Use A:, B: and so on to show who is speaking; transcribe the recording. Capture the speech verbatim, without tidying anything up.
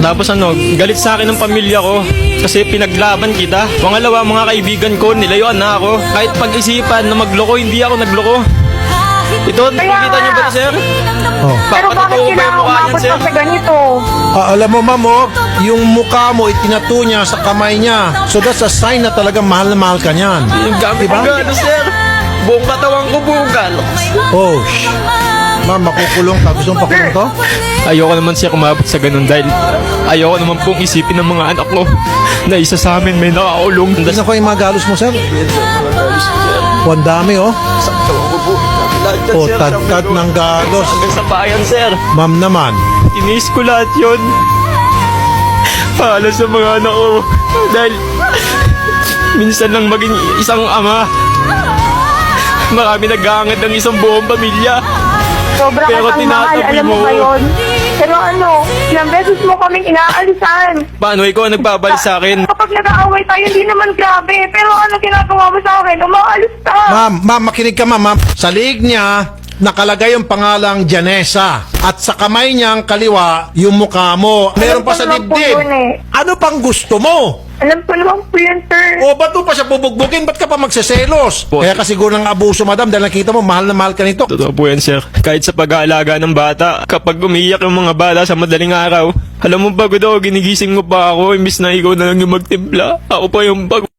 A: Tapos ano, galit sa akin ng pamilya ko kasi pinaglaban kita. Pangalawa, mga kaibigan ko, nilayuan na ako. Kahit pag-isipan na magloko, hindi ako nagloko. Ito, nakikita niyo ba ito, sir?
B: Oh.
C: Pero bakit
A: Papatotoo ba yung
C: kailangan
A: mukha niyan,
C: umabot
A: sir?
C: pa sa ganito?
B: Ah, alam mo, ma'am, oh, yung mukha mo itinato niya sa kamay niya. So that's a sign na talagang mahal na mahal ka niyan.
A: Yung gamit
B: Diba?
A: ko, ano, sir? Buong katawan ko bugal.
B: Oh, shh. Ma'am, makukulong ka. Gusto mong pakulong to?
A: Ayoko naman siya kumabot sa ganun dahil ayoko naman pong isipin ng mga anak ko na isa sa amin may nakakulong.
B: Tignan ko yung mga galos mo, sir. Oh, ang dami, oh. Oh, tadtad ng galos.
A: Hanggang sa bayan, sir.
B: Ma'am naman.
A: Tinis ko lahat yun. Para sa mga anak ko. Dahil minsan lang maging isang ama. Marami nag-aangat ng isang buong pamilya.
C: Sobra
A: Pero
C: kitang mahal,
A: tinatabi
C: alam mo
A: mo.
C: ba yun? Pero ano, ilang beses mo kaming inaalisan.
A: Paano ikaw ang nagbabalik sa akin?
C: Kapag nag-aaway tayo, hindi naman grabe. Pero ano ginagawa mo sa akin? Umaalis ka.
B: Ma'am, ma'am, makinig ka, ma'am. ma'am. Sa liig niya, nakalagay yung pangalang Janessa. At sa kamay niyang kaliwa, yung mukha mo. Meron pa sa
C: Alam ko naman po
B: dibdib.
C: yun eh.
B: Ano pang gusto mo?
C: Alam ko naman po yan, sir.
B: O, ba't mo pa siya bubugbukin? Ba't ka pa magseselos?
A: Po-
B: Kaya kasi siguro ng abuso, madam, dahil nakita mo, mahal na mahal ka nito.
A: Totoo po yan, sir. Kahit sa pag-aalaga ng bata, kapag umiiyak yung mga bata sa madaling araw, alam mo, pagod ako, ginigising mo pa ako, imbis na ikaw na lang yung magtimpla. Ako pa yung pag...